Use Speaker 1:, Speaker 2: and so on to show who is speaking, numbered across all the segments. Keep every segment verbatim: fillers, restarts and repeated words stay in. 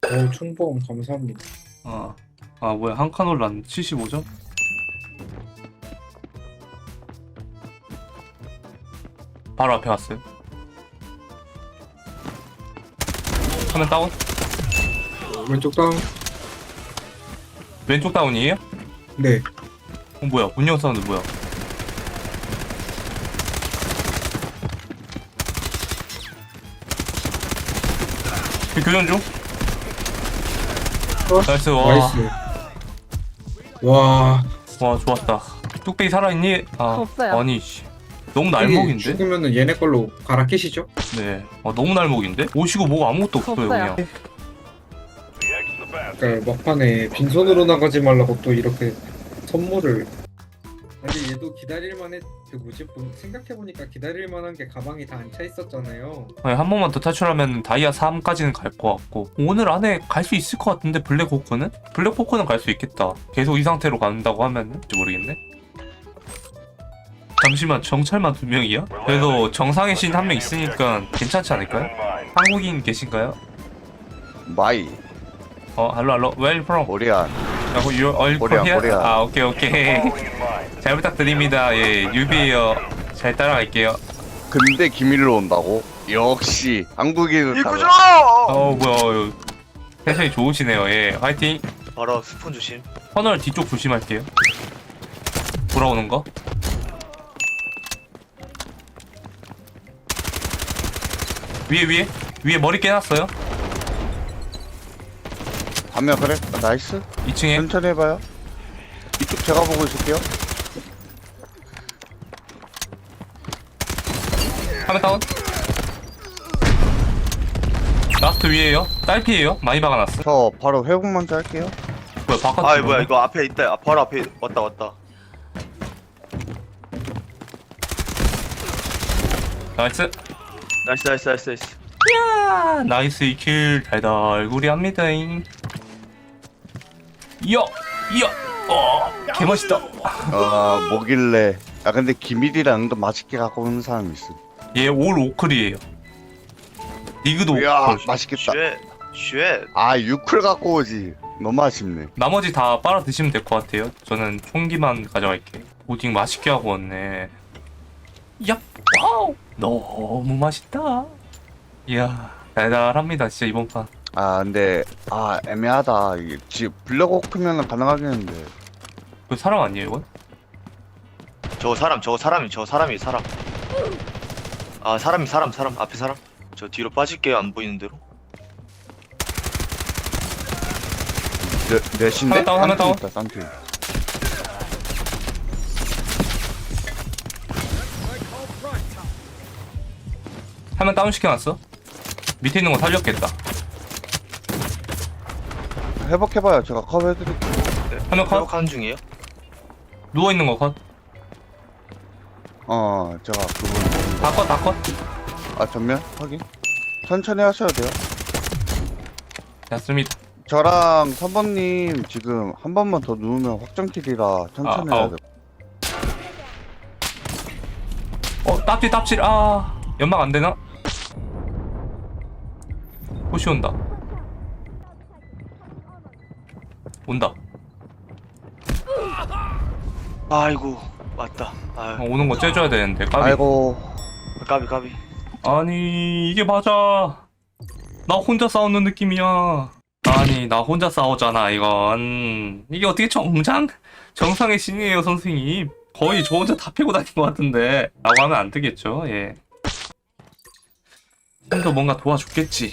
Speaker 1: 어, 총보험 감사합니다.
Speaker 2: 아, 아 뭐야 한 칸 올랐네. 칠십오 점? 바로 앞에 왔어요. 화면 다운?
Speaker 1: 왼쪽 다운.
Speaker 2: 왼쪽 다운이에요?
Speaker 1: 네.
Speaker 2: 어 뭐야 문영 사운드 뭐야? 그 교전 중?
Speaker 1: 어?
Speaker 2: 나이스. 와,
Speaker 1: 나이스. 와.
Speaker 2: 와 좋았다. 뚝배기 살아있니? 아
Speaker 3: 없어요.
Speaker 2: 아니 씨 너무
Speaker 1: 여기
Speaker 2: 날먹인데?
Speaker 1: 죽으면은 얘네 걸로 갈아 끼시죠?
Speaker 2: 네. 아 너무 날먹인데? 오시고 뭐가 아무것도 없어요
Speaker 3: 없어요.
Speaker 2: 그냥.
Speaker 1: 그러니까 막판에 빈손으로 나가지 말라고 또 이렇게 선물을. 근데 얘도 기다릴만해. 그 뭐지? 본- 생각해보니까 기다릴만한 게 가방이 다 안 차 있었잖아요.
Speaker 2: 아니, 한 번만 더 탈출하면 다이아 삼까지는 갈 것 같고 오늘 안에 갈 수 있을 것 같은데 블랙호크는? 블랙호크는 갈 수 있겠다. 계속 이 상태로 간다고 하면은 모르겠네. 잠시만 정찰만 두 명이야? 그래도 정상의 신 한 명 있으니까 괜찮지 않을까요? 한국인 계신가요?
Speaker 4: 마이
Speaker 2: 어 할로 할로 Where from?
Speaker 4: 코리안
Speaker 2: 아, 그 you are
Speaker 4: 코리안,
Speaker 2: here?
Speaker 4: 코리안.
Speaker 2: 아 오케이 오케이 잘 부탁드립니다. 예 유비에요. 잘 따라갈게요.
Speaker 4: 근데 기밀로 온다고? 역시 한국인은
Speaker 5: 이구죠!
Speaker 4: 달라.
Speaker 2: 어 뭐야 텐션이 좋으시네요. 예 화이팅.
Speaker 5: 바로 스폰 조심.
Speaker 2: 터널 뒤쪽 조심할게요. 돌아오는 거. 위에 위에 위에 머리 깨놨어요.
Speaker 4: 하면 그래? 아, 나이스
Speaker 2: 이 층에
Speaker 4: 천천히 해봐요. 이쪽 제가 보고 있을게요.
Speaker 2: 하면 다운. 라스트 위에요. 딸피에요. 많이 박아놨어.
Speaker 4: 저 바로 회복 먼저 할게요.
Speaker 2: 뭐야 바깥.
Speaker 5: 아 뭐야 이거 앞에 있다. 아, 바로 앞에 왔다 왔다.
Speaker 2: 나이스.
Speaker 5: 나이스 나이스 나이스 나이스.
Speaker 2: 야 나이스 이킬 달달구리 합니다잉. 이어 이어. 어 개멋있다.
Speaker 4: 아 뭐길래? 아 근데 기밀이라는 거 맛있게 갖고 오는 사람이 있어.
Speaker 2: 얘올 오클이에요. 리그도
Speaker 4: 이야
Speaker 2: 오클.
Speaker 4: 맛있겠다.
Speaker 5: 쉣. 쉣.
Speaker 4: 아 유클 갖고 오지. 너무 아쉽네.
Speaker 2: 나머지 다 빨아 드시면 될 것 같아요. 저는 총기만 가져갈게. 오징 맛있게 하고 왔네. 야, 와우, 너무 맛있다. 이야, 달달합니다, 진짜 이번 판.
Speaker 4: 아 근데 아 애매하다. 이게 지금 블랙호크면은 가능하겠는데.
Speaker 2: 그 사람 아니에요, 이건?
Speaker 5: 저거 사람 저거 사람이 저거 사람이 사람. 아 사람이 사람 사람 앞에 사람. 저 뒤로 빠질게요 안 보이는 대로.
Speaker 4: 넷 넷인데?
Speaker 2: 하나 다운, 하나 다운.
Speaker 4: 있다, 쌍팀.
Speaker 2: 하면 다운 시켜놨어. 밑에 있는 거 살렸겠다.
Speaker 4: 회복해봐요. 제가 커버해드릴게요.
Speaker 5: 네.
Speaker 2: 하나 컷.
Speaker 5: 회복하는 중이에요.
Speaker 2: 누워 있는 거 컷.
Speaker 4: 어 제가 그분
Speaker 2: 다 컷, 다 컷.
Speaker 4: 아 전면 확인. 천천히 하셔야 돼요.
Speaker 2: 됐습니다.
Speaker 4: 저랑 선번님 지금 한 번만 더 누우면 확정킬이라 천천히
Speaker 2: 아,
Speaker 4: 해야
Speaker 2: 아.
Speaker 4: 돼.
Speaker 2: 어, 딱질, 딱질. 아, 연막 안 되나? 호시 온다. 온다.
Speaker 5: 아이고 맞다.
Speaker 2: 어,
Speaker 5: 아
Speaker 2: 오는 거 째줘야 되는데. 까비.
Speaker 4: 아이고
Speaker 5: 까비 까비.
Speaker 2: 아니 이게 맞아. 나 혼자 싸우는 느낌이야. 아니 나 혼자 싸우잖아 이건. 이게 어떻게 정장? 정상의 신이에요 선생님. 거의 저 혼자 다 패고 다닌 것 같은데 라고 하면 안 되겠죠. 예. 형도 뭔가 도와줬겠지.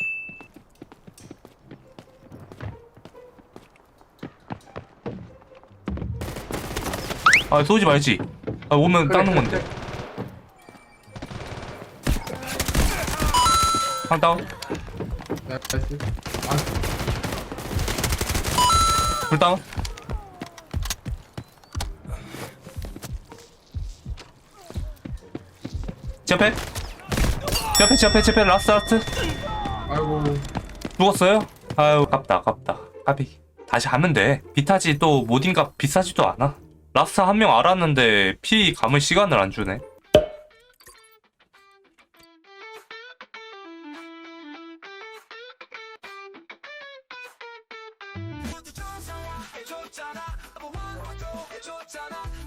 Speaker 2: 아 쏘지 말지. 아 오면 닦는 건데. 한 다운.
Speaker 1: 나이스.
Speaker 2: 불 다운. 제 앞에. 제 앞에 제 앞에 제 앞에 라스트 라스트.
Speaker 1: 아이고.
Speaker 2: 죽었어요? 아유 깝다 아깝다. 까비. 다시 하면 돼. 비타지 또 모딘가 비싸지도 않아. 라스트 한 명 알았는데 피 감을 시간을 안 주네.
Speaker 3: 구독해줬잖아. 넘버원 구독해줬잖아.